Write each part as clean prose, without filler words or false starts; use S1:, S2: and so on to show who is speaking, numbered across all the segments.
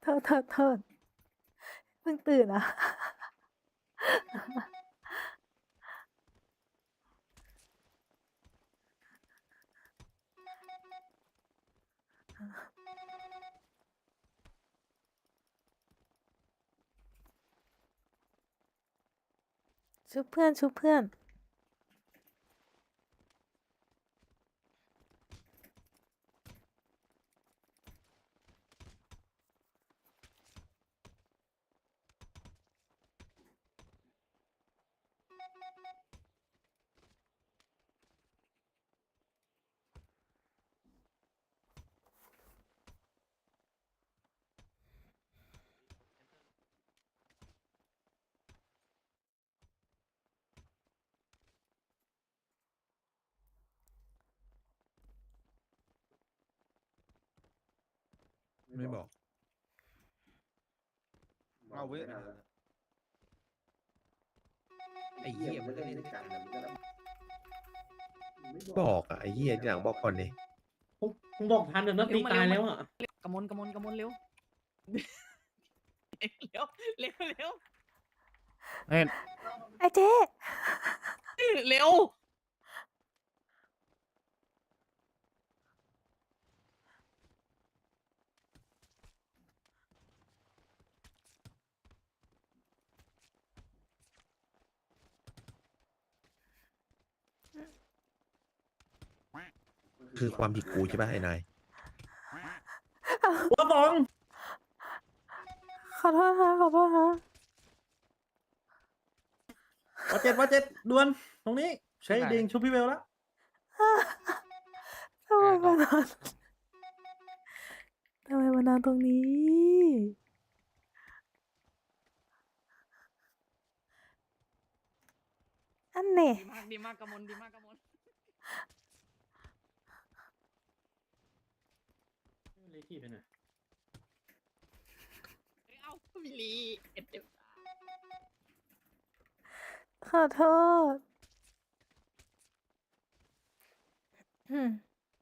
S1: โทษเพิ่งตื่นอ่ะ ชุบเพื่อนชุบเพื่อน
S2: ไม่บอกเอาเว้ยไอ้เหี้ยมันก็เล่นกันบอกอ่ะไอ้เหี้ยทีหลังบอกก่อนดิ
S3: มึงบอกทันเดี๋ยวนัดตีตายแล้วอ่ะ
S4: กระมนเร็ว เร็วเร็วเร็ว
S1: ไอ้เจ๊
S4: เร็ว
S2: คือความผิดกูใช่ป่ะไอ้นาย
S3: หัวบอง
S1: ขอโทษฮะขอโทษฮะ
S3: ว่าเจ็ดด่วนตรงนี้ใช้ดิงชุบพี่เวลแล้ว
S1: ทำไมมานอนทำไมมานอนตรงนี้อันเน่
S4: ดีมากกระมนดีมากกระมน
S3: เลยที่ไปไหน
S4: เอ้ามิลีเอ็ดเจ็บ
S1: ขอโทษอืม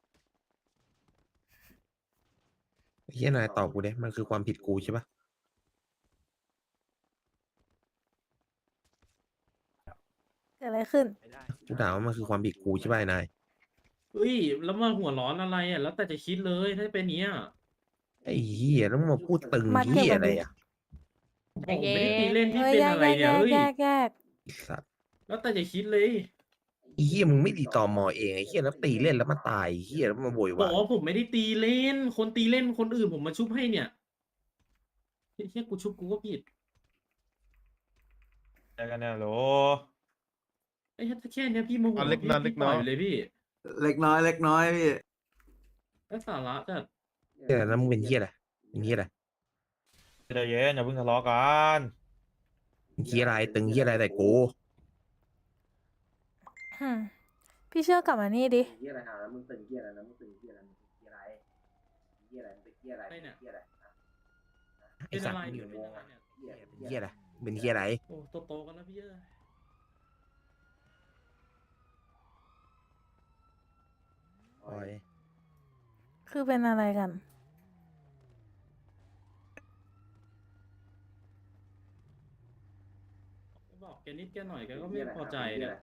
S2: ไอ้เหี้ยนายตอบกูดิมันคือความผิดกูใช่ป่ะ
S1: เกิดอะไรขึ้น
S2: กูถามว่ามันคือความผิดกูใช่ป่ะไอ้นาย
S3: เฮ้ยแล้วมาหัวร้อนอะไรอ่ะแล้วแต่จะคิดเลยถ้าเป็นเนี้ย
S2: ไอ้เหี้ยแล้วมึงมาพูดตึง
S1: มาเก็บ
S2: เหี้ย
S1: แบบ
S2: อะไร
S1: นี้
S2: อ่ะ
S3: ผมไม่ได้ตีเล่นที่
S1: เฮ้ย
S3: เป็น
S1: แยก
S3: อะไร
S1: แยก
S3: เนี่ย
S1: แย
S3: เฮ้ย
S1: ก
S2: ไอ้สัตว์
S3: แล้วแต่จะคิดเลย
S2: ไอ้เหี้ยมึงไม่ดีต่อมอเองไอ้เหี้ยแล้วตีเล่นแล้วมาตายไอ้เหี้ยแล้วมาโวยวา
S3: บอย กว่าผมไม่ได้ตีเล่น คนตีเล่นคนอื่นผมมาชุบให้เนี่ยเฮียกูชุบกูก็ผิด
S5: เจอกันเนี่ยโหล
S3: ไอ้แค่เนี้ยพี่โมโห
S5: อ่ะเล็ก
S3: พี่
S5: น้อยเล็
S3: พี่
S5: ก
S3: ป
S5: น้
S3: ล่
S5: อ
S3: อย ยเลยพี่
S6: เล็กน้อยพี่
S3: แล้วสาระจัด
S2: เหี้ยแล้วมึงเป็นเหี้ยอะไรเป็นเหี้ยอะไร
S5: ใจเย็นอย่าเพิ่งทะเลาะกัน
S2: เป็นเหี้ยอะไรตึงเหี้ยอะไรแต่กู
S1: อืมพี่เชื่อกลับมานี่ดิ
S6: เฮียอะไรหาแล้วมึงตึงเฮียอะไรนะมึงตึงเฮียอะไรมึงตึงเฮียอะไรเฮียอะไรมึงตึงเฮียอะไร
S3: ไอ้เนี่ย
S6: เฮียอะไร
S2: ไอ้สัตว์
S3: เป็นอะไร
S2: มึง
S3: เนี่ยเป็นอะไรเนี่ย
S6: เฮีย
S2: เป็นเหี้ยอะไรเป็นเหี้ยอะไร
S3: โอ้โตๆกันแล้วพี่เอ้ย
S2: ปล่อย
S1: คือเป็นอะไรกัน
S3: บอกแกนิดแกหน่อยแกก็ไม่พอใจเนี่ย